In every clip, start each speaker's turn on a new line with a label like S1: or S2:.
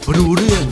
S1: รู้เรื่อง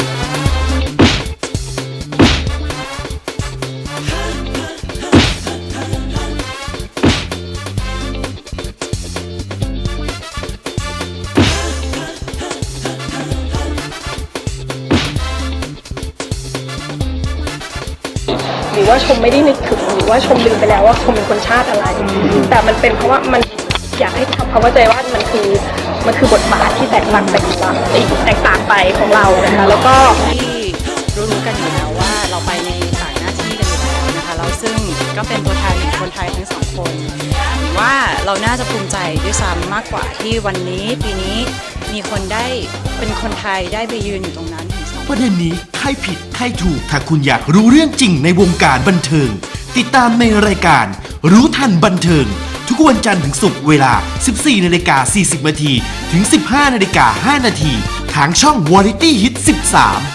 S2: หรือว่าชมไม่ได้นึกถึงหรือว่าชมลืมไปแล้วว่าชมเป็นคนชาติอะไร แต่มันเป็นเพราะว่ามันอยากให้ทำความเข้าใจว่ามันคือบทบาทที่แตกต่างไปของเรานะคะแล้วก็
S3: ที่รู้กันอยู่แล้วว่าเราไปในต่างหน้าที่กันอยู่แล้วนะคะแล้วซึ่งก็เป็นตัวแทนของคนไทยทั้งสองคนว่าเราน่าจะภูมิใจด้วยซ้ำมากกว่าที่วันนี้ปีนี้มีคนได้เป็นคนไทยได้ไปยืนอยู่ตรงนั้นถึง2
S1: ประเด็นนี้ใครผิดใครถูกถ้าคุณอยากรู้เรื่องจริงในวงการบันเทิงติดตามในรายการรู้ทันบันเทิงทุกวันจันทร์ถึงศุกร์เวลา 14:40 นถึง 15:05 นทางช่อง Variety Hit 13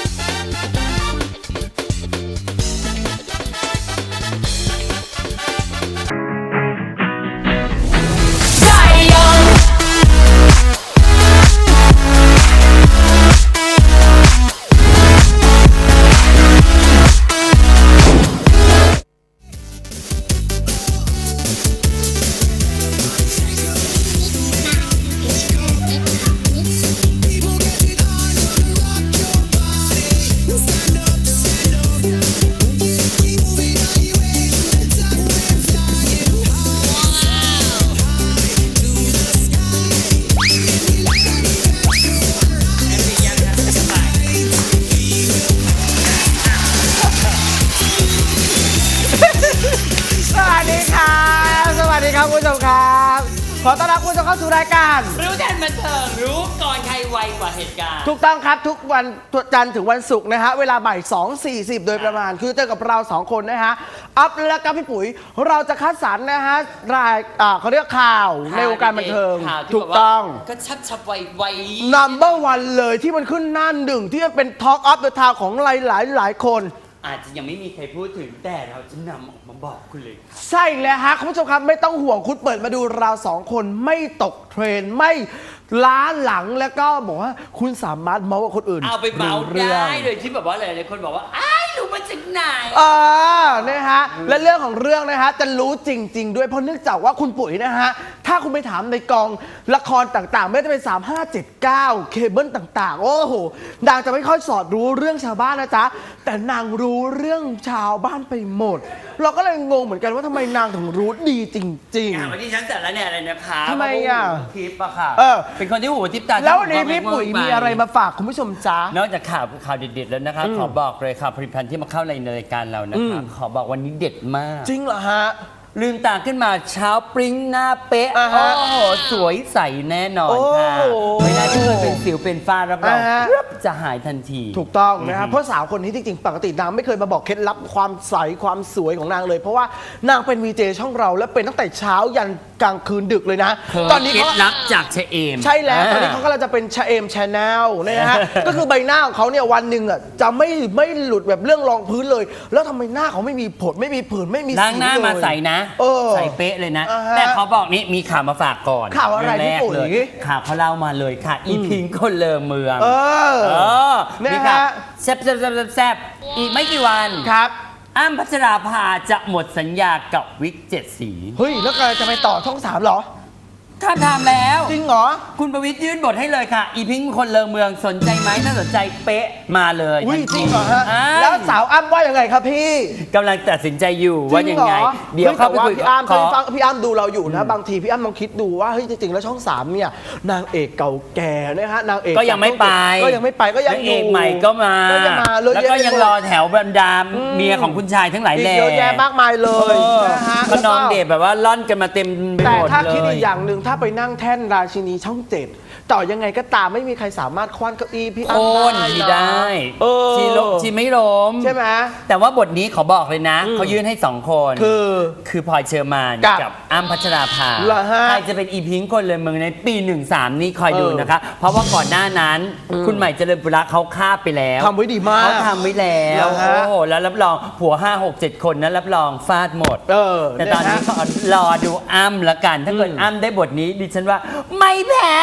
S4: สวัสดีครับคุณผู้ชมครับขอต้อนรับคุณผู้ชมเข้าสู่รายการ
S5: รู้ทันบันเทิงรู้ก่อนใครไวกว่าเหตุการณ์
S4: ถูกต้องครับทุกวันจันทร์ถึงวันศุกร์นะฮะเวลาบ่าย 2:40 โดยประมาณคือเจอกับเรา2คนนะฮะอัพและกับพี่ปุ๋ยเราจะคัดสรรนะฮะรายเขาเรียกข่าวในวงการบันเทิงถูกต้อง
S5: ก็ชับไว
S4: number one เลยที่มันขึ้นหน้าหนึ่งที่มันเป็น Talk of the Town ของหลายคน
S5: อาจจะยังไม่มีใครพูดถึงแต่เราจะนำออกมาบอกคุณเลยค่ะ
S4: ใช่แล้วฮะคุณผู้ชมครับไม่ต้องห่วงคุณเปิดมาดูเรา2คนไม่ตกเทรนด์ไม่ล้าหลังแล้วก็บอกว่าคุณสามารถเมาส์กับคนอื่น
S5: เอาไปเมาส์
S4: เรื่อง
S5: ได้โดยที่แบบว่าหลายๆคนบอกว่าอ้ายรู้มาจากไหน
S4: นะฮะและเรื่องของเรื่องนะฮะจะรู้จริง ๆ ด้วยเพราะเนื่องจากว่าคุณปุ๋ยนะฮะถ้าคุณไปถามในกองละครต่างๆไม่ว่าจะเป็น3579เคเบิลต่างๆโอ้โหนางจะไม่ค่อยสอดรู้เรื่องชาวบ้านนะจ๊ะแต่นางรู้เรื่องชาวบ้านไปหมด เราก็เลยงงเหมือนกันว่าทำไมนางถึงรู้ดีจริง
S5: วันที่ฉันเสร็จแล้วเนี่ยอะไรนะคะ
S4: ทำไมอ่ะ
S5: ทิปอะค่ะ
S4: เป็น
S5: คนที่หูทิปตา
S4: ๆ แล้ววันนี้พี่ปุ๋ยมีอะไรมาฝากคุณผู้ชมจ๊ะ
S5: นอกจากข่าวเด็ดๆแล้วนะคะขอบอกเลยค่ะผลิตภัณฑ์ที่มาเข้าในรายการเรานะคะขอบอกวันนี้เด็ดมาก
S4: จริงเหรอฮะ
S5: ลืมตาขึ้นมาเช้าปริ้งหน้าเป๊ะ
S4: อ่าฮะ
S5: โอ้โหสวยใสแน่นอนค่ะ
S4: โอ้โห
S5: ไม่น่าที่เคยเป็นสิวเป็นฝ้ารับรอง
S4: อ่าฮะ
S5: ปึ๊บจะหายทันที
S4: ถูกต้องนะครับเพราะสาวคนนี้จริงๆปกตินางไม่เคยมาบอกเคล็ดลับความใสความสวยของนางเลย เพราะว่านางเป็นวีเจช่องเราและเป็นตั้งแต่เช้ายันกลางคืนดึกเลยนะ
S5: ตอนนี้เคล็ดลับจากชะเอม
S4: ใช่แล้วตอนนี้เขากำลังจะเป็นชาเอมชาแนลนะฮะ ก็คือใบหน้าของเขาเนี่ยวันหนึ่งอ่ะจะไม่หลุดแบบเรื่องรองพื้นเลย แล้วทำไมหน้าเขาไม่มีผดไม่มีผื่นไม่มี
S5: ล้างหน้า
S4: สิวเลย
S5: มาใสนะ ใสเป๊ะเลยนะ แต่เขาบอกนี่มีข่าวมาฝากก่อน
S4: ข่าวอะไร
S5: เงแก
S4: พี่ปุ๋ย
S5: เลยข่าวเขาเล่ามาเลยค่ะ อีพิงคนเลอเมือง
S4: นะ
S5: นี่
S4: ฮะ
S5: ค่ะแซบอีกไม่กี่วัน
S4: ครับ
S5: อ้ำพัชราภาจะหมดสัญญากับวิก7 สี
S4: เฮ้ยแล้วก็จะไปต่อช่อง3เหรอ
S5: ถ้าทำแล้ว
S4: จริงเหรอ
S5: คุณประวิตรยื่นบทให้เลยค่ะ อีพิงคนเลอเมืองสนใจไหมถ้าสนใจเป๊ะมาเลย
S4: อุ้ย
S5: ทัน
S4: จ
S5: ที
S4: ริงเหรอฮะ
S5: อ่า
S4: แล้วสาวอ้ำว่ายังไงครับพี่
S5: กำลังตัดสินใจอยู่ว่ายังไง
S4: จริหรอ
S5: เดี๋ยวเข้าไปคุย
S4: พี่อ้ำ
S5: ขอ
S4: พี่อ้ำดูเราอยู่นะบางทีพี่อ้ำลองคิดดูว่าเฮ้ยจริงๆแล้วช่อง3เนี่ยนางเอกเก่าแก่นะฮะนางเอก
S5: ก็ยังไม่ไป
S4: ก็ยังไม่ไปก็ยัง
S5: นาง
S4: อ
S5: เอยู่ กใหม่ก็มา
S4: ก็ยังมา
S5: แล้วก็ยังรอแถวบรรดาเมียของคุณชายทั้งหลาย
S4: อีก
S5: แหล่
S4: เยอะแยะมากมายเลยนะฮะ
S5: ก็น้องเดชแบบว่าล่อนกันมาเต็มไป
S4: แต่
S5: หมด
S4: ถ้า
S5: เล
S4: คิด
S5: ย
S4: อีกอย่างหนึ่งถ้าไปนั่งแท่นราชินีช่อง7ต่อยังไงก็ตามไม่มีใครสามารถคว้านเก้าอี้พี่อ้ำ
S5: โค่น
S4: ได้
S5: ที
S4: นะ
S5: ได้
S4: เออ
S5: ชีไม่ล้ม
S4: ใช่ไหม
S5: แต่ว่าบทนี้ขอบอกเลยนะ เขายื่นให้2 คน คือพลอยเชอร์มาน
S4: กับ
S5: กับอ้ำพัชราภา
S4: เหรอฮะ
S5: ใครจะเป็นอีพิงค์คนเลยเมืองในปี 13 นี่คอยดูนะคะ เพราะว่าก่อนหน้านั้น คุณใหม่เจริญปุระเขาฆ่าไปแล้ว
S4: ทำไว้ดีมาก
S5: เขาทำไว้แล้ว
S4: เหรอฮะ
S5: โอ้โหแล้วรับรองผัว 5 6 7 คนนั้นรับรองฟาดหมด แต่ตอนนี้
S4: ะฮะ
S5: ขอรอดูอ้ำละกัน ถ้าเกิดอ้ำได้บทนี้ดิฉันว่าไม่แพ้
S4: จริง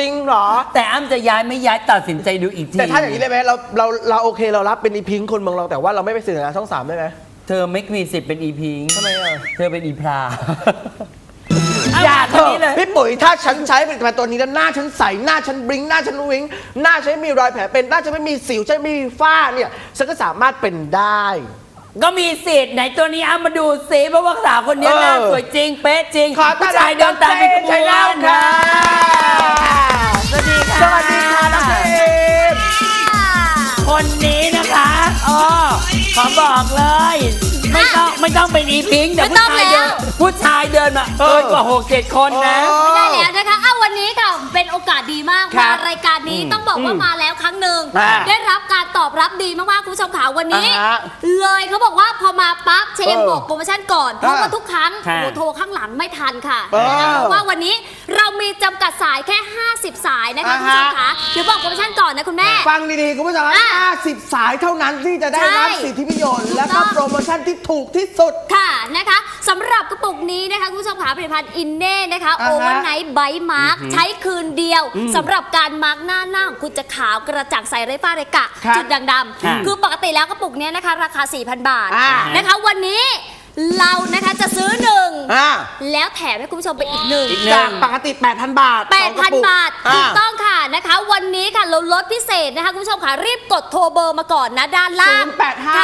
S4: งเหรอ
S5: แต่อ้ำจะย้ายไม่ย้ายตัดสินใจดูอีกที
S4: แต่ถ้าอย่างนี้ได้ไหมเราโอเคเรารับเป็นอีพิงคนเมืองเราแต่ว่าเราไม่ไปสื่อสารช่อง 3ได้ไหม
S5: เธอไม่มีสิทธิ์เป็นอีพิง
S4: ทำไมอ่ะ
S5: เธอเป็นอีพลา
S4: อย่าเถ
S5: คนนี้เล
S4: อะ
S5: ย
S4: พี่ปุ๋ยถ้าฉันใช้ผลิตภัณฑ์ตัวนี้แล้วหน้าฉันใสหน้าฉันบลิงหน้าฉันวิงหน้าฉันไม่มีรอยแผลเป็นหน้าฉันไม่มีสิวฉันไม่มีฝ้าเนี่ยฉันก็สามารถเป็นได้
S5: ก็มีสิทธิ์ไหนตัวนี้อ้ำมาดูสิเพราะว่าสาวคนนี้หน้าสวยจริงเป๊ะจริง
S4: ขอต้อนรับ
S5: ผู้ชายเดินตามเป็นขบ
S4: ใช่
S5: ว
S4: แล้ว
S5: น
S4: ค่ะ
S5: สวัสดีค่ะ
S4: สวัสดีค่ะน้องเอม
S5: คนนี้นะคะอ๋อขอบอกเลย ไม่ต้องเป็นอีพิงค์แต่
S6: ไม่ต้องแล้ว
S5: ผู้ชายเดินมาเกินกว่า 6-7 คนนะ
S6: ไม่ได้แล้วนะคะวันนี้ค่ะเป็นโอกาสดีมาก
S4: ครั
S6: มา
S4: บ
S6: รายการนี้ต้องบอกว่ามาแล้วครั้งหนึ่ง
S4: อ่า
S6: ได้รับการตอบรับดีมากๆคุณผู้ชมขาวันนี้
S4: อ่าฮะ
S6: เลยเขาบอกว่าพอมาปั๊บเชม
S4: เออ
S6: บอกโปรโมชั่นก่อนเพราะว่าทุกครั้ง
S5: ค่ะ
S6: โอ้โหโทรข้างหลังไม่ทันค่ะ
S4: เออ
S6: นะคะเพราะว่าวันนี้เรามีจำกัดสายแค่ 50 สายนะคะ
S4: อ่า
S6: คุณ
S4: ฮะ
S6: ผู้ชมขาเดี๋ยวบอกโปรโมชั่นก่อนนะคุณแม่
S4: ฟังดีๆ คุณผู้ชม
S6: อ่ะ
S4: 50 สายเท่านั้นที่จะได้รับ
S6: ใช่
S4: สิทธิประโยชน์
S6: ถูก
S4: และ
S6: ต้
S4: ก็
S6: อง
S4: โปรโมชั่นที่ถูกที่สุด
S6: ค่ะนะคะสำหรับกระปุกนี้นะคะคุณผู้ชมขาผลิตภัณฑ์อินเน่นะคะ
S4: อ่าฮะ
S6: โอเวอร์ไนท์ไบท์มาร์คใช้คืนเดียวสำหรับการมาร์กหน้าของคุณจะขาวกระจ่างใสไร้ฝ้าไร้กระ
S4: ครับ
S6: จุดด่างด
S5: ค่ะ
S6: ำคือปกติแล้วกระปุกเนี้ยนะคะราคา 4,000 บาท
S4: อ่า
S6: นะคะวันนี้เรานะคะจะซื้อหนึ่ง
S4: อ่า
S6: แล้วแถมให้คุณผู้ชมไปอีกหนึ่ง
S5: อีกหนึ่ง
S4: จากปกติ 8,000 บาทสองกระปุก
S6: 8,000 บาท
S4: อ่า
S6: ถูกต้องค่ะนะคะวันนี้ค่ะเราลดพิเศษนะคะคุณผู้ชมค่ะรีบกดโทรเบอร์มาก่อนนะด้านล่างค่ะ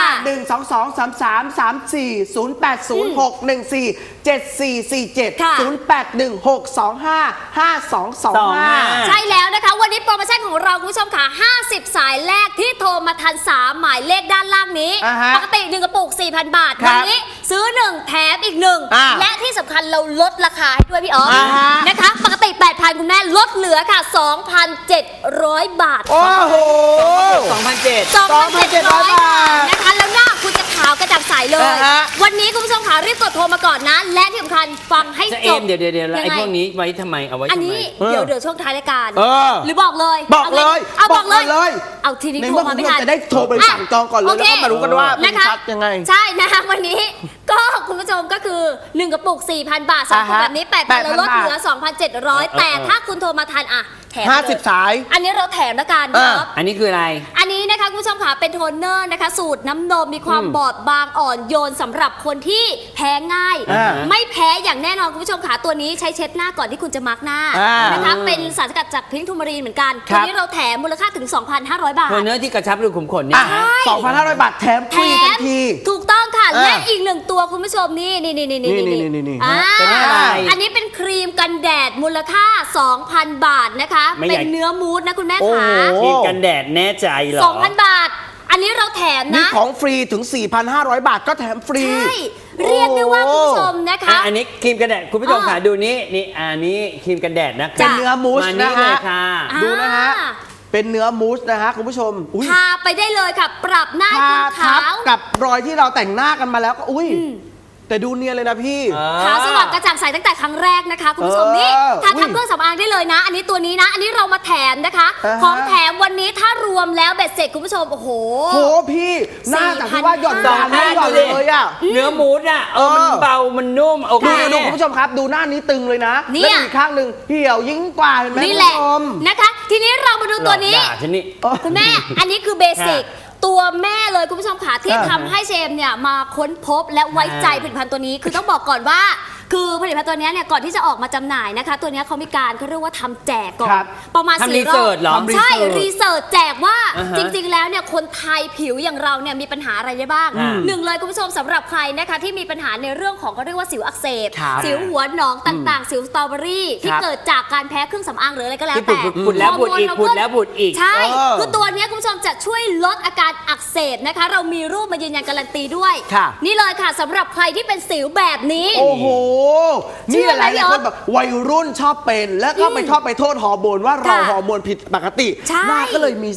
S4: 085-122-33-34
S6: ค่ะ
S4: 0816255225
S6: ใช่แล้วนะคะ วันนี้โปรโมชั่นของเราคุณผู้ชมค่ะ 50 สายแรกที่โทรมาทัน 3 หมายเลขด้านล่างนี้
S4: อ่าฮะ
S6: ปกติ 1 กระปุก 4,000 บาท
S4: ครับ
S6: วันนี้ซื้อ 1 แถมอีก
S4: อ่า
S6: 1 และที่สำคัญเราลดราคาให้ด้วยพี่อ๋อฟ
S4: อ่าฮะ
S6: นะคะ ปกติ 8,000 คุณแม่ลดเหลือค่ะ 2,700 บาท
S4: โอ้โห
S5: 2,700
S6: 2,700 บาทนะคะแล้วหน้าคุณจะขาวกระจ่างใสเลย
S4: อ่าฮะ
S6: วันนี้คุณผู้ชมค่ะรีบกดโทรมาก่อนนะ และที่สำคัญฟังให้
S5: จะ
S6: จ
S5: เอ็
S6: บ
S5: มเดี๋ยวแล้วไอ้
S6: ยังไง
S5: พวกนี้ไว้ทำไมเอาไว้
S6: อัน
S5: ทำไม
S6: นี้เดี๋ยวช่วงท้ายรายการ
S4: เออ
S6: หรือบอกเลย
S4: บอกเลย
S6: เอาบอกเลย
S4: บอกเลย
S6: เอาทีนี้
S4: ใน
S6: โทร
S4: เมื่อ
S6: มา
S4: คุณ
S6: ไม่
S4: ผู้ช
S6: ทั
S4: ม
S6: น
S4: จะได้โทรไปสั่งจองก่อนเลย
S6: โอ
S4: แล้ว
S6: เค
S4: ก็มารู้กันว่าเป็น
S6: นะคะ
S4: ชัดยังไง
S6: ใช่นะคะวันนี้ ก็คุณผู้ชมก็คือ 1 กระปุก 4,000 บาทสองกระปุก
S4: อ่าฮะ
S6: แบบนี้ 8,000เราลด
S4: 8,000
S6: เหลือ 2,700 แต่ถ้าคุณโทรมาทันอ่ะแถมเลย
S4: 50 สาย
S6: อันนี้เราแถมละกัน
S4: อ่า
S6: ครับ
S5: อันนี้คืออะไร
S6: อันนี้นะคะคุณผู้ชมค่ะเป็นโทนเนอร์นะคะ สูตรน้ำนมมีความบอบบางอ่อนโยนสำหรับคนที่แพ้ง่าย
S4: อ่า
S6: ไม่แพ้อย่างแน่นอนคุณผู้ชมค่ะตัวนี้ใช้เช็ดหน้าก่อนที่คุณจะมาร์กหน้า
S4: อ่าน
S6: นะคะเป็นสารสกัดจากพิงค์ทูมารีนเหมือนกัน
S4: ครั
S6: ตัว
S4: บ
S6: นี้เราแถมมูลค่าถึง 2,500 บาท
S5: โทนเนอร์ที่กระชับรูขุมขนเนี่
S4: อ่ะ
S5: ย
S4: 2,500 บาทแถมฟ
S6: แถ
S4: รีทั
S6: ม
S4: นที
S6: ถูกต้องค่ะ
S4: อ่า
S6: และอีกหนึ่งตัวคุณผู้ชมนี่นี่
S4: นี่
S6: อ่า
S5: เป็นอะไร
S6: อันนี้เป็นครีมกันแดดมูลค่า 2,000 บาทนะคะ
S5: ไม่อ
S6: เป็
S5: ยาก
S6: นเนื้อมูสนะคุณแม่
S4: โอ้
S6: ขา
S4: โห
S5: ครีมกันแดดแน่ใจเหรอ
S6: 2,000 บาท อันนี้เราแถม
S4: มี
S6: นะ
S4: ของฟรีถึง 4,500 บาทก็แถมฟรี
S6: ใช่ เรียกได้ว่าคุณผู้ชมนะคะ
S5: อันนี้ครีมกันแดดคุณผู้ชม
S6: อ่า
S5: ค่ะดูนี่นี่อันนี้ครีมกันแดดนะ
S4: เป็นเนื้อมูส
S5: มา
S4: นะ
S5: นี่เล
S4: ฮะ
S5: ยค่ะ
S6: อ่า
S4: ดูนะฮะ เป็นเนื้อมูสนะฮะคุณผู้ชม อุ้ย
S6: ทาไปได้เลยค่ะ ปรับหน้าให้
S4: ทา
S6: คุณ
S4: ทั
S6: ขา
S4: บ
S6: ว
S4: กับรอยที่เราแต่งหน้ากันมาแล้วก็อุ้ย แต่ดูเนียนเลยนะพี่
S6: ขาวสว่างกระจ่างใสตั้งแต่ครั้งแรกนะคะ คุณผู้ชมนี่ทาทับเครื่องสำอางได้เลยนะ อันนี้ตัวนี้นะ อันนี้เรามาแถมนะคะ
S4: อ่าฮะ
S6: ของแถมวันนี้ถ้ารวมแล้วเบ็ดเสร็จคุณผู้ชมโอ้โห
S4: โหพี่หน้าจากที่ว่าหย่อนยานไม่หย่อนเลยอ่ะ
S5: เนื้อมูสอ่ะมันเบามันนุ่มโอเค
S4: ดูคุณผู้ชมครับ ดูหน้านี้ตึงเลยนะ
S6: เนี่
S4: แล้ว
S6: ย
S4: อีกข้างหนึ่งเหี่ยวยิ่งกว่าเห็นไหม
S6: นี่
S4: คุณ
S6: แหละ
S4: ผู้ชม
S6: นะคะ ทีนี้เรามาดูตัวนี้
S5: หลอกด่าฉันนี่
S6: คุณแม่ อันนี้คือเบสิก ตัวแม่เลยคุณผู้ชมค่ะที่
S4: อ่า
S6: ทำให้เชมเนี่ยมาค้นพบและไว้ใจผลิตภัณฑ์ตัวนี้ คือต้องบอกก่อนว่า คือผลิตภัณฑ์ตัวเนี้ยเนี่ยก่อนที่จะออกมาจำหน่ายนะคะ ตัวเนี้ยเขามีการเขาเรียกว่าทำแจกก่อน
S4: ครับ
S6: ประมาณ
S5: ทำ
S6: 4 รอบ
S5: research เหรอ
S6: ใช่
S4: ทำ research
S6: รีเสิร์ชแจกว่า
S5: อ่าฮะ
S6: จริง ๆ แล้วเนี่ยคนไทยผิวอย่างเราเนี่ยมีปัญหาอะไรได้บ้าง
S5: อืม
S6: หนึ่งเลยคุณผู้ชมสำหรับใครนะคะที่มีปัญหาในเรื่องของเขาเรียกว่าสิวอักเสบ
S4: ครับ
S6: สิวหัวหนองต่างๆ สิวสตรอเบอรี่ที่
S4: ครับ
S6: เกิดจากการแพ้เครื่องสำอางหรืออะไรก็แล้ว
S5: ที่
S6: แต่
S5: ผุดแล้วผุดอีก
S6: ฮร์โมน
S5: ผุดแล้วผุดอีก
S6: ใช่
S4: เออ
S6: คือตัวเนี้ยคุณผู้ชมจะช่วยลดอาการอักเสบนะคะ เรามีรูปมายืนยันการันตีด้วย
S4: ค่ะ
S6: นี่เลยค่ะสำหรับใครที่เป็นสิวแบบนี้
S4: โอ้โห
S6: ชื่
S4: นี่
S6: อ
S4: ห
S6: อะไร
S4: ลายๆคนแบบวัยรุ่นชอบเป็น แล้วก็ไปชอบไปโทษฮอร์โมนว่าเรา
S6: ค่ะ
S4: ฮอร์โมนผิดปกติ
S6: ใช่
S4: หน้าก็เลยมีสิว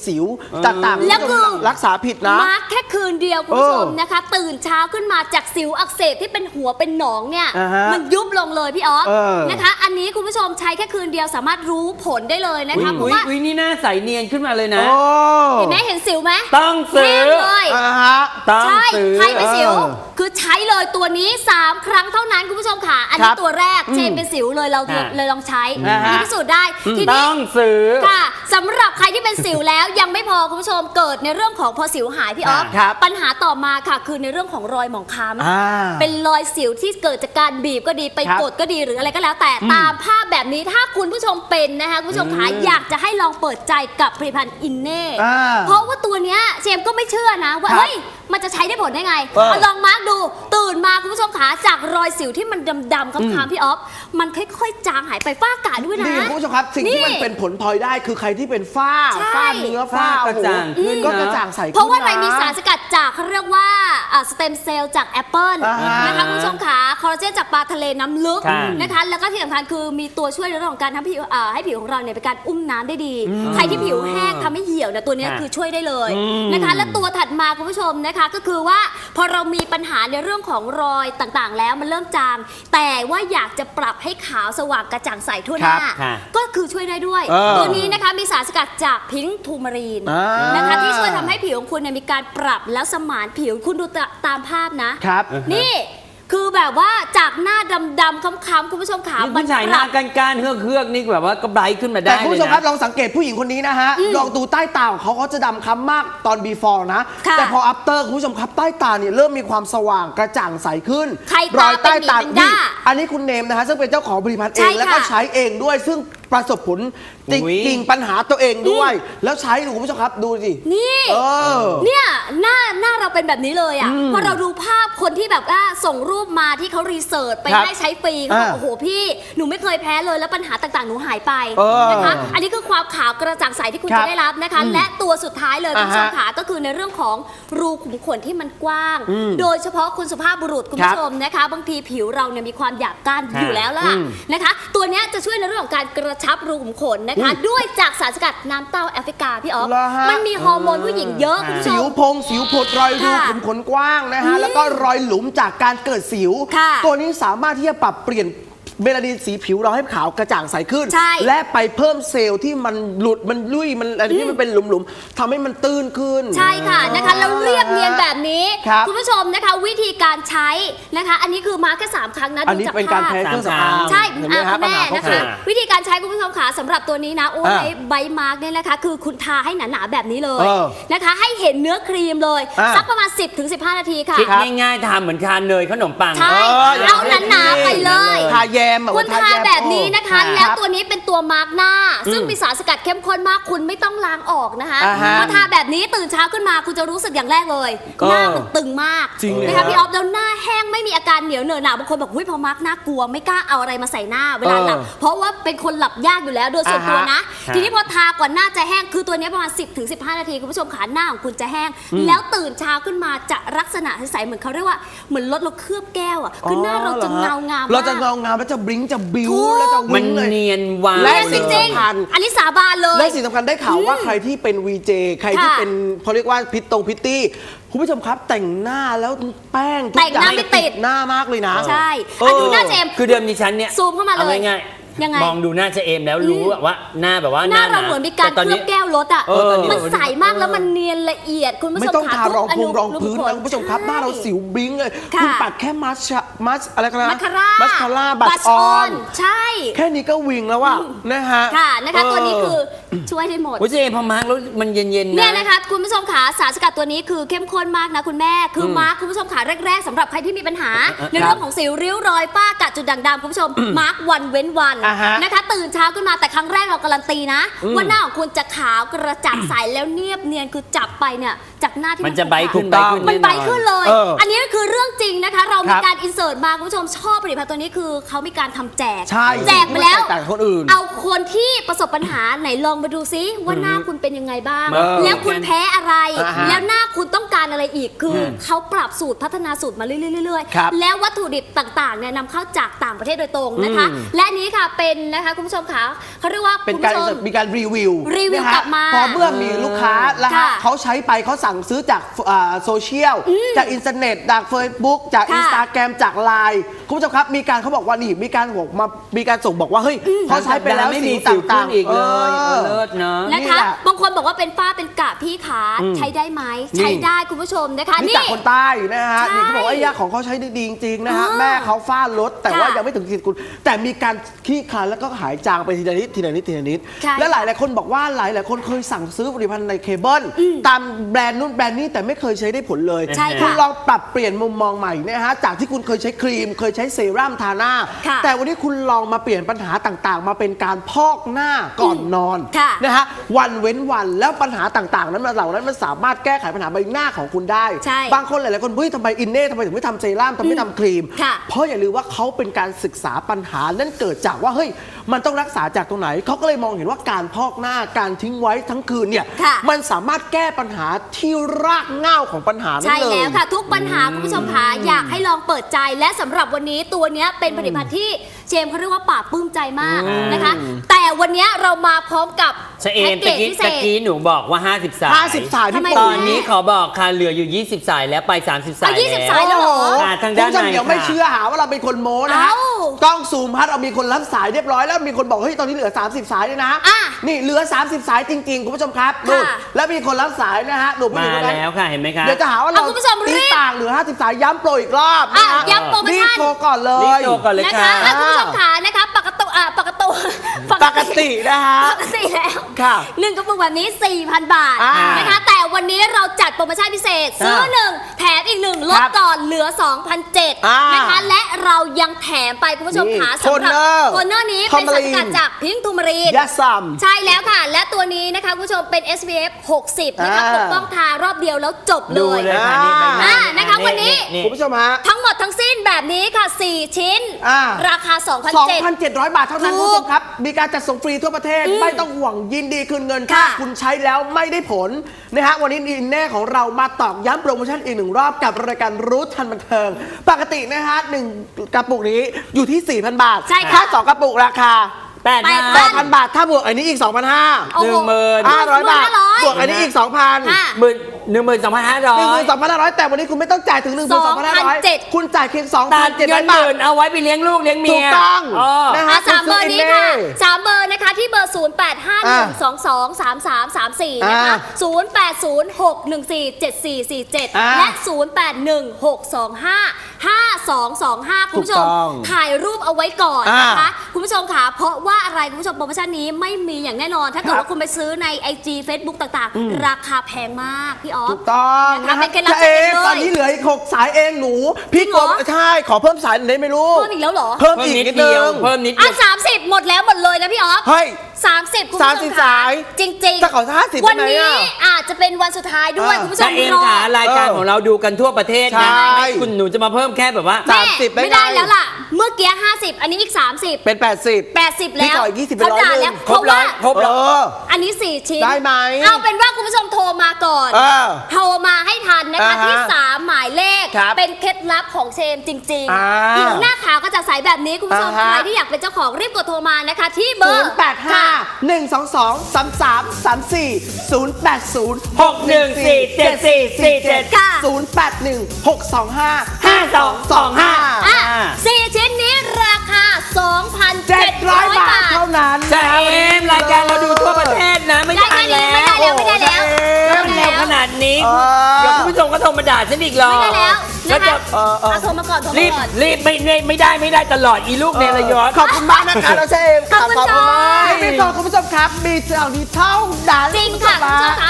S4: ต่างๆ
S6: แล้วคือ
S4: รักษาผิดนะ
S6: มาร์คแค่คืนเดียวคุณผู้ชมนะคะ ตื่นเช้าขึ้นมาจากสิวอักเสบที่เป็นหัวเป็นหนองเนี่ย
S4: อ่าฮะ
S6: มันยุบลงเลยพี่ออฟ
S4: เออ
S6: นะคะ อันนี้คุณผู้ชมใช้แค่คืนเดียวสามารถรู้ผลได้เลยนะคะเพราะว่า
S5: อุ๊ยนี่หน้าใสเนียนขึ้นมาเลยนะ
S4: โอ้
S6: เห็นไหมเห็นสิวไหม
S5: ต้องซื้อ
S6: แห้งเลย
S4: ฮะ
S5: ต้อง
S6: ใช่
S5: ซื้อ
S6: ใครเป็นสิว
S4: เออ
S6: คือใช้เลยตัวนี้ 3 ครั้งเท่านั้นคุณผู้ชมค่ะ อัน
S4: ค
S6: นี้
S4: รับ
S6: ตัวแรกเชนเป็นสิวเลยเรา
S5: ค่ะ
S6: เลยลองใช้
S4: อ่าฮะ
S6: พิสูจน์ได้ที
S5: ต้
S6: นี้
S5: องซื้อ
S6: ค่ะสำหรับใครที่เป็นสิวแล้ว ยังไม่พอคุณผู้ชมเกิดในเรื่องของพอสิวหายพี่ออฟ
S4: ครับ
S6: ปัญหาต่อมาค่ะคือในเรื่องของรอยหมองคล้ำ
S4: อ่า
S6: เป็นรอยสิวที่เกิดจากการบีบก็ดีไป
S4: ครับ
S6: กดก็ดีหรืออะไรก็แล้วแต่ตามภาพแบบนี้ถ้าคุณผู้ชมเป็นนะคะคุณผู้ชมคะอยากจะให้ลองเปิดใจกับผลิตภัณฑ์อินเน่
S4: อ่า
S6: เพราะว่าตัวเนี้ยเชมก็ไม่เชื่อนะว่า
S4: ครับ
S6: เฮ้ยมันจะใช้ได้ผลได้ไง ลองมาร์กดูตื่นมาคุณผู้ชมขาจากรอยสิวที่มันดำๆค้ำๆพี่ออฟมันค่อยๆจางหายไปฝ้ากระด้วยนะ
S4: นี่คุณผู้ชมครับสิ่งที่มันเป็นผลพลอยได้คือใครที่เป็นฝ้า
S6: ใช่
S4: ฝ้าเนื้อฝ้า
S5: ฝ้ากระจ่างขึ้น
S4: ก็
S5: นะ
S4: กระจ่างใสขึ้น
S6: เพราะว่าอะไร
S4: น
S6: มีสารสกัดจากเขาเรียกว่าสเต็มเซลล์จากแอปเปิล
S4: อ่าฮะ
S6: นะคะคุณผู้ชมขาคอลลาเจนจากปลาทะเลน้ำลึก
S5: ค่ะ
S6: นะคะแล้วก็ที่สำคัญคือมีตัวช่วยในเรื่องของการทำผิวให้ผิวของเราเนี่ยเป็นการอุ้มน้ำได้ดี ใครที่ผิวแห้งทำให้เหี่ยวเนี่ยตัวเนี้ย
S5: ค่ะ
S6: คือช่วยได้เลยนะคะและตัวถัดมาคุณผู้ชมนะคะก็คือว่าพอเรามีปัญหาในเรื่องของรอยต่างๆ แล้วมันเริ่มจาง แต่ว่าอยากจะปรับให้ขาวสว่างกระจ่างใสทั่วหน้า
S5: ครับค่ะ
S6: ก็คือช่วยได้ด้วย ตัวนี้นะคะมีสารสกัดจากพิงค์ทูมารีน
S4: อ่าน
S6: นะคะที่ช่วยทำให้ผิวของคุณเนี่ยมีการปรับแล้วสมานผิวคุณดูตามภาพนะ
S4: ครับ
S6: นี่คือแบบว่าจากหน้าดำๆค้ำๆคุณผู้ชมขา
S5: นี่ผู้ชายหน้าก้านๆเฮือกๆนี่แบบว่าก็ไบรท์ขึ้นมาได้
S4: แต่คุณผู้ชมครับ
S5: เลย
S4: ลองสังเกตผู้หญิงคนนี้นะฮะ ลองดูใต้ตาของเขาจะดำคล้ำมากตอน before นะ
S6: ค่ะ
S4: แต่พอ after คุณผู้ชมครับใต้ตาเนี่ยเริ่มมีความสว่างกระจ่างใสขึ้น
S6: ใครตาเป็นหมีแพนด้า
S4: อันนี้คุณเนมนะฮะซึ่งเป็นเจ้าของผลิตภัณฑ์เอ
S6: ใช่
S4: ง
S6: ค่ะ
S4: แล้วก็ใช้เองด้วย ซึ่งประสบผลจ
S5: อุ๊ย
S4: ริงๆปัญหาตัวเองด้วย แล้วใช้ดูคุณผู้ชมครับดูสิ
S6: นี่
S4: เออ
S6: เนี่ยหน้าเราเป็นแบบนี้เลยอ่ะพอเราดูภาพคนที่แบบว่าส่งรูปมาที่เขารีเสิร์ชไป
S4: ครับ
S6: ให้ใช้ฟรีเขาบอก
S4: อ่า
S6: โอ้โหพี่หนูไม่เคยแพ้เลยแล้วปัญหาต่างๆหนูหายไป
S4: เออ
S6: นะคะอันนี้คือความขาวกระจ่างใสที่คุณ
S4: ครับ
S6: จะได้รับนะคะ และตัวสุดท้ายเลยคุณผู้ชม
S4: อ่าฮะ
S6: ขาก็คือในเรื่องของรูขุมขนที่มันกว้าง โดยเฉพาะคุณสุภาพบุรุษคุณผู้ชมนะคะ บางทีผิวเราเนี่ยมีความหยาบก้านอยู่แล้วล่ะนะคะ ตัวเนี้ยจะช่วยในเรื่องของการกระชับรูขุมขนนะคะ ด้วยจากสารสกัดน้ำเต้าแอฟริกาพี่ออฟ
S4: เหรอฮะ
S6: มันมีฮอร์โมนผู้หญิงเยอะคุณผู้ช
S4: สิว
S6: ม
S4: พงสิวผดรอยรู
S6: ค่ะ
S4: ขุมขนกว้างนะฮะ แล้วก็รอยหลุมจากการเกิดสิว
S6: ค่ะ
S4: ตัวนี้สามารถที่จะปรับเปลี่ยนเมลานินสีผิวเราให้ขาวกระจ่างใสขึ้น
S6: ใช่
S4: และไปเพิ่มเซลล์ที่มันหลุดมันลุ่ยมันอะไรที่มันเป็นหลุมๆทำให้มันตื้นขึ้น
S6: ใช่ค่ะนะคะแล้วเรียบเนียนแบบนี้
S4: ครับ
S6: ณผู้ชมนะคะวิธีการใช้นะคะ อันนี้คือมาแค่3ครั้งนะ
S4: อัน
S6: ดู
S4: นี้
S6: จาก
S4: เป็นการ
S6: ภาพ
S4: แพ้เครื่องสำอาง
S6: ใช่
S4: เห็นไหมฮะ
S6: คุณแม่
S4: ปัญหาเขา
S6: นะ
S4: เกิ
S6: คะ
S4: ด
S6: วิธีการใช้คุณผู้ชมขาสำหรับตัวนี้นะโอ้
S4: อ่า
S6: ยใบมาร์กเนี่ยนะคะ คือคุณทาให้หนาๆแบบนี้เลย
S4: เออ
S6: นะคะ ให้เห็นเนื้อครีมเลย
S4: อ่า
S6: สักประมาณ 10-15 นาทีค่ะ
S5: คิดง่ายๆทำเหมือนทานเนยขนมปัง
S6: ใช่
S4: อย่าง
S6: เอาหนาๆไปเลย
S4: ทาแยม
S6: คุณทาแบบนี้นะคะ
S4: รับ
S6: แล้วตัวนี้เป็นตัวมาร์กหน้า ซึ่งมีสารสกัดเข้มข้นมากคุณไม่ต้องล้างออกนะคะ
S4: อ่าฮะ
S6: พอทาแบบนี้ตื่นเช้าขึ้นมาคุณจะรู้สึกอย่างแรกเลย หน้ามันตึงมาก
S4: จริงเลย
S6: นะคะพี่ออฟแล้วหน้าแห้งไม่มีอาการเหนียวเหนอะหนาบางคนบอกหุ้ยพอมาร์กหน้ากลัวไม่กล้าเอาอะไรมาใส่หน้าเวลาหลับเพราะว่าเป็นคนหลับยากอยู่แล้วโดยส่วนตัวนะ
S5: อ่าฮะ
S6: ทีนี้พอทากว่าหน้าจะแห้งคือตัวนี้ประมาณ 10-15 นาทีคุณผู้ชมขาหน้าของคุณจะแห้ง แล้วตื่นเช้าขึ้นมาจะลักษณะใสๆเหมือนเขาเรียกว่าเหมือนรถเราเคลือบแก้วอ่ะคือหน้าเราจะเงางามมาก
S4: เราจะเงางามแล้วจะบลิงก์จะบิ้ว
S6: ถูก
S4: แล้วจะ
S5: มั
S4: วิ่
S5: น
S4: งเลย
S5: เนียนวาว
S4: และ
S6: จ
S4: สิ่ง
S6: ริง
S4: สำคัญ
S6: ๆอันนี้สาบานเลย
S4: และสิ่งสำคัญได้ข่าวว่าใครที่เป็น VJ ใครที่
S6: ค่ะ
S4: เป็นเขาเรียกว่าพิตตี้คุณผู้ชมครับแต่งหน้าแล้วแป้งทุก
S6: แต่ง
S4: อย่า
S6: หน้าง ไม่ติด
S4: หน้ามากเลยนะ
S6: ใช่
S4: เออ
S6: อ่ะดูหน้าเจมส์
S5: คือเดิมดิฉันเนี่ย
S6: ซูมเข้ามาเลย
S5: อง่าย
S6: ยังไง
S5: มองดูหน้าเจเอมแล้วรู้ว่าหน้าแบบว่า
S6: หน้าเราเหมือนมีการ
S5: แต่ต
S6: เคลือบแก้วรถอ่ะ
S5: ตอนนี้
S6: มันใสมากแล้วมันเนียนละเอียดคุณผู้ชม
S4: ไม่ต้อง
S6: ค่ะ
S4: ทารอง
S6: ทุก
S4: รองพื้น
S6: รูขุ
S4: นะคุณผู้ชมครับหน้าเราสิวบลิงก์เลย
S6: ค่ะ
S4: คุณปัดแค่มัสอะไรกันนะ
S6: มัสคาร่า
S4: มัสคาร่าบัชออน
S6: ใช่
S4: แค่นี้ก็วิงแล้วอะนะฮะ
S6: ค่ะนะคะตัวนี้คือช่วยได้หมด
S5: โอ้ยเจเอมพอมาร์กแล้วมันเย็นๆนะ
S6: เนี่ยนะคะคุณผู้ชมขาสารสกัดตัวนี้คือเข้มข้นมากนะคุณแม่คือมาร์คคุณผู้ชมขาแรกๆสำหรับใครที่มีปัญหา ในเรื่องของสิวริ้วรอยฝ้ากระจุดด่างดำคุณผู้ชมมาร์ควันเว้นวัน
S4: อ่าฮะ
S6: นะคะตื่นเช้าขึ้นมาแต่ครั้งแรกเราการันตีนะว่าหน้าของคุณจะขาวกระจ่างใสแล้วเนียบเนียนคือจับไปเนี่ยจากหน้าที่
S5: มันจะไบรท์ขึ้น
S4: ถูกต้อง
S6: มันไบขึ้นเลย
S4: เอออั
S6: อันนี้คือเรื่องจริงนะคะ เรา
S4: ค
S6: มี
S4: รับ
S6: การอินเสิร์ตมาคุณผู้ชมชอบผลิตภัณฑ์ตัวนี้คือเขามีการทำแจก
S4: ใช่
S6: แจกไปแล้ว
S4: ไม่แตกต่างจากคนอื่น
S6: เอาคนที่ประสบปัญหาไหนลองมาดูซิว่าหน้าคุณเป็นยังไงบ้าง
S4: เออ
S6: แล้วคุณแพ้อะไร
S4: อ่าฮะ
S6: แล้วหน้าคุณต้องการอะไรอีกคือเขาปรับสูตรพัฒนาสูตรมาเรื่อยๆ
S4: ครับ
S6: แล้ววัตถุดิบต่างๆเนี่ยนำเข้าจากต่างประเทศโดยตรงนะคะ และอันนี้ค่ะเป็นนะคะคุณผู้ชมคะเขาเรียกว่า
S4: เป็น
S6: คุณ
S4: การ
S6: ผู้ชม
S4: มีการรีวิว
S6: รีวิว
S4: นะฮะ
S6: กลับมา
S4: พอเมื่อมีลูกค้าแล้วฮะ
S6: ค่ะ
S4: เขาใช้ไปเขาสั่งซื้อจากโซเชียลจากอินเทอร์เน็ตจากเฟซบุ๊กจาก
S6: ค่ะ
S4: อินสตาแกรมจากไลน์คุณผู้ชมครับมีการเขาบอกว่านี่มีการบอกมามีการส่งบอกว่าเฮ้ยเขาใช้ไปแล้ว
S5: ไม่
S4: สี
S5: มีสิวขึ้
S4: ต่าน งๆ
S5: อีกเลยเลิศเนาะ
S6: นะ
S4: นี่
S6: คะ
S4: แหละ
S6: บางคนบอกว่าเป็นฝ้าเป็นกระพี่ขาใช้ได้ไหมใช้ได้คุณผู้ชมนะคะ
S4: นี่จากคนใต้นะฮะ
S6: ใช่
S4: นี่เขาบอกว่าไอ้ยาของเขาใช้ได้ดีจริงๆนะฮะ
S6: อ่า
S4: แม่เขาฝ้าลดแต่ว่า
S6: ค่ะ
S4: ยังไม่ถึงขีดคุณแต่มีการขี้คลายแล้วก็หายจางไปทีละนิดทีละนิดทีละนิด
S6: ใช่
S4: และหลายคนบอกว่าหลายคนเคยสั่งซื้อผลิตภัณฑ์ในเคเบิลตามแบรนด์นู้นแบรนด์นี้แต่ไม่เคยใช้ได้ผลเลย
S6: ใช่ค่ะ
S4: คุณลองปรับเปลี่ยนมุมมองใหม่นะฮะจากที่คุณเคยใช้ครีม เคยใช้เซรั่มทาหน้า
S6: ค่ะ
S4: แต่วันนี้คุณลองมาเปลี่ยนปัญหาต่างๆ มาเป็นการพอกหน้าก่อนนอน
S6: ค่ะ
S4: นะฮะวันเว้นวันแล้วปัญหาต่างๆ นั้นเหล่านั้นมันสามารถแก้ไขปัญหาใบหน้าของคุณได้
S6: ใช่
S4: บางคนหลายๆคนเฮ้ยทำไมอินเน่ทำไมถึงไม่ทำเซรั่มทำไมไม่ทำครีม
S6: ค่ะ
S4: เพราะอย่าลืมว่าเขาเป็นการศึกษาปัญหานั่นเกิดจากว่าเฮ้ยมันต้องรักษาจากตรงไหนเขาก็เลยมองเห็นว่าการพอกหน้าการทิ้งไว้ทั้งคืนเนี่ย
S6: ค่ะ
S4: มันสามารถแก้ปัญหาที่รากเหง้าของปัญหานั้น
S6: ใช่
S4: เลย
S6: แล้วค่ะ ทุกปัญหาคุณผู้ชมคะอยากให้ลองเปิดใจและสำหรับวันนี้ตัวเนี้ยเป็นผลิตภัณฑ์ที่เจมส์เขาเรียกว่าปราบปลื้มใจมากนะคะ แต่วันเนี้ยเรามาพร้อมกับ
S5: เชเอม
S6: แพ็กเก
S5: ตะ
S6: จ
S5: กี้
S6: พิเศ
S5: ตะ
S6: ษ
S5: กี้หนูบอกว่า 50 สาย
S4: 50 สาย
S6: ทำไม
S4: พี่
S5: ต
S4: ป
S5: อนนี้ขอบอกค่ะเหลืออยู่ 20 สายแล้วไป 30 สาย
S6: 20 สายแล้วเหรอ
S5: ค่ะทางด้าน
S4: คุณผู้ชม
S5: ใน
S4: เดี๋ยวไม่
S5: ค่ะ
S4: เชื่อหาว่าเราเป็นคนโม้นะฮะ
S6: เอ้า
S4: กล้องซูมพัดเรามีคนรับสายเรียบร้อยแล้วมีคนบอกเฮ้ยตอนนี้เหลือ 30 สายเลยนะ
S6: อ่ะ
S4: นี่เหลือ 30 สายจริงๆคุณผู้ชมครับนู่น
S6: ค่ะ
S4: แล้วมีคนรับสายนะฮะหนูผู้ห
S5: มา
S4: ญิงคนนั้น
S5: แล้วค่ะเห็นไหมคะ
S4: เดี๋ยวจะหาว่าเรา
S6: เอาคุณผู้ชมรีบ
S4: ต่างเหลือ 50 สายย้ำโปรอีกรอบนะฮะ
S6: อ่ะย้ำโปรโมชั่น
S4: รีบโทรก่อนเล
S5: รีบ
S4: ย
S5: โทรก่อนเลย
S6: นะ
S5: ค่ะ
S6: คะอ่ะคุณผู้ชมขานะคะปกติ
S4: นะฮะ
S6: ปกติแล้ว
S4: ค่ะ
S6: หนึ่งกระปุกแบบนี้ 4,000 บาท
S4: อ่าน
S6: นะคะ แต่วันนี้เราจัดโปรโมชั่นพิเศษ ซื้อ 1 แถมอีก 1 ลด
S4: ครับ
S6: ก่อนเหลือ 2,700
S4: อ่าน
S6: นะคะ และเรายังแถมไปคุณผู้ชม
S4: นี่
S6: ขาสำหรับ
S4: Toner
S6: โทนเนอร์นี้เป็นสารสกัดจากพิงค์ทูมารีน
S4: ยาซัม
S6: ใช่แล้วค่ะ และตัวนี้นะคะคุณผู้ชมเป็น SPF 60 นะคะ
S4: อ่า
S6: ปกป้องทารอบเดียวแล้วจบเล
S5: ดู
S6: ย
S5: เลยค่ะนี่
S6: อ่านะคะวันนี้
S4: คุณผู้ชมฮะ
S6: ทั้งหมดทั้งสิ้นแบบนี้ค่ะ 4 ชิ้น
S4: อ่า
S6: ราคา 2,700
S4: 2,700 บาทเท่านั้น
S6: ถู
S4: คุณ
S6: ก
S4: ผู้ชมครับ มีการจัดส่งฟรีทั่วประเทศ ไม่ต้องห่วงยินดีคืนเงินถ้า
S6: ค่ะ
S4: คุณใช้แล้วไม่ได้ผลนะฮะวันนี้อินแน่ของเรามาตอกย้ำโปรโมชั่นอีกหนึ่งรอบกับรายการรู้ทันบันเทิง ปกตินะฮะ1กระปุกนี้อยู่ที่ 4,000 บาท
S6: ใช่ค่ะ
S4: ถ้า2กระปุกราคา
S6: 8,000
S4: 8,000 บาท ถ้าบวกอันนี้อีก 2,500
S6: โอ้โห
S4: 500 บาท
S6: 1,500
S4: บวกอันนี้อีก 2,000
S6: ค่ะ
S5: 12,500
S4: 12,500 แต่วันนี้คุณไม่ต้องจ่ายถึง 12,500
S6: 2,700
S4: คุณจ่ายเพียง
S5: ตัดเงิน
S4: 2,700 บาท
S5: หมื่นเอาไว้ไปเลี้ยงลูกเลี้ยงเมีย
S4: ถูกต้อง
S5: นะ
S4: ฮะ
S6: สามเบอร์นี้ค่ะ
S4: คุณซื้อ Inné
S6: สามเบอร์นะคะที่เบอร์ 0 8 5 1 2 2 3 3 3 4 นะคะ 0 8 0 6 1 4 7 4 4 7 และ 0 8 1 6 2 5 5 2 2 5 คุณผู้ชม
S4: ถูกต้อง
S6: ถ่ายรูปเอาไว้ก่อนนะคะ
S4: อ่า
S6: คุณผู้ชมค่ะเพราะว่าอะไรคุณผู้ชมโปรโมชั่นนี้ไม่มีอย่างแน่นอน ถ้าเกิด
S4: ครับ
S6: ว่าคุณไปซื้อใน IG Facebook ต่างๆ ราคาแพงมากพี่ออฟ
S4: ถูกต้อง
S6: นะคะเป็นเคล็ดลับ
S4: เอง
S6: เลย
S4: ตอนนี้เหลืออีก6 สายเองหนู พี่
S6: จริง
S4: ก
S6: เหร
S4: บ
S6: อ
S4: ใช่ขอเพิ่มสายหน่อยได้ไหมลูก
S6: เพิ่มอีกแล้วเหรอ
S4: เพิ่ม
S5: เพิ่ม
S4: อีก
S5: นิด
S4: นิด
S5: เดี
S4: นึ
S5: ยว
S4: ง
S5: เพิ่มนิดเดี
S6: อ่ะ
S5: ยว
S6: 30 หมดแล้วหมดเลยนะพี่ออฟ
S4: เฮ้ย
S6: 30 คุณผู้ชม
S4: 30
S6: ค่ะ
S4: สาย
S6: จริงๆ
S4: ถ้าขอ50
S6: วัน
S4: ได้ไหม
S6: นี้
S4: อ่ะ
S6: อาจจะเป็นวันสุดท้ายด้วย คุณผู้ช
S5: ถ้าม เอ็ม
S6: รอ
S5: ขารายการของเราดูกันทั่วประเทศนะ
S4: ใช่
S5: คุณหนูจะมาเพิ่มแค่แบบว่า
S6: แม่
S4: 30ได้
S6: ไม่ได้
S4: ไง
S6: แล้วล่ะ เมื่อกี้ 50 อันนี้อีก 30
S4: เป็น 80
S6: 80 แล้ว
S4: พี่ขออีก20
S6: เขาด่าแล้ว
S5: ครบร้อยครบ
S4: เอ
S5: ร้อย
S4: อ
S6: อันนี้ 4 ชิ้น
S4: ได้ไหม
S6: เอาเป็นว่าคุณผู้ชมโทรมาก่อน
S4: เออ
S6: โทรมาให้ทันนะคะ
S4: อ่าฮะ
S6: ที่ 3 หมายเลข
S4: ครับ
S6: เป็นเคล็ดลับของเชมจริง
S4: อ่า
S6: ๆผิวหน้าขาวก็จะใสแบบนี้คุณผู้ชม
S4: อ่าฮะ
S6: ใครที่อยากเป็นเจ้าของรีบกดโทรมานะคะ ที่เบอร์ค่ะ
S4: 081 222 33 34 080 614 7447
S6: ค่ะ
S4: 081 625
S5: 5225
S6: อ่ะ4 ชิ้นนี้ราคา 2,700
S4: 700 บาทเท่านั้น
S5: ใช่เอ็มรายการเราดูทั่วประเทศนะ ไม่ได้
S6: ได้
S5: แล้ว
S6: ไม่ได้แล้วไม่ได้แล้ว
S5: เริ่มเร็วขนาดนี้
S4: เออ
S5: เดี๋ยวคุณผู้ชมก็โทรมาด่าฉันอีกหรอก
S6: ไม่ได้แล้ว
S5: แล้
S6: นะ
S5: วจะ
S6: คะเอาโทรมาก่อนโทร
S5: รี
S6: มา
S5: บ
S6: ก่อน
S5: รีบไม่ได้ตลอดอีลูกเนรยศ
S4: ขอบคุณมากนะคะเราเชฟ
S6: ขอบคุณค่ะ
S4: ไม่พอคุณผู้ชมครับ มีเท่านี้เท่านั้น
S6: จริงค่ะคุณผู้ชมคะ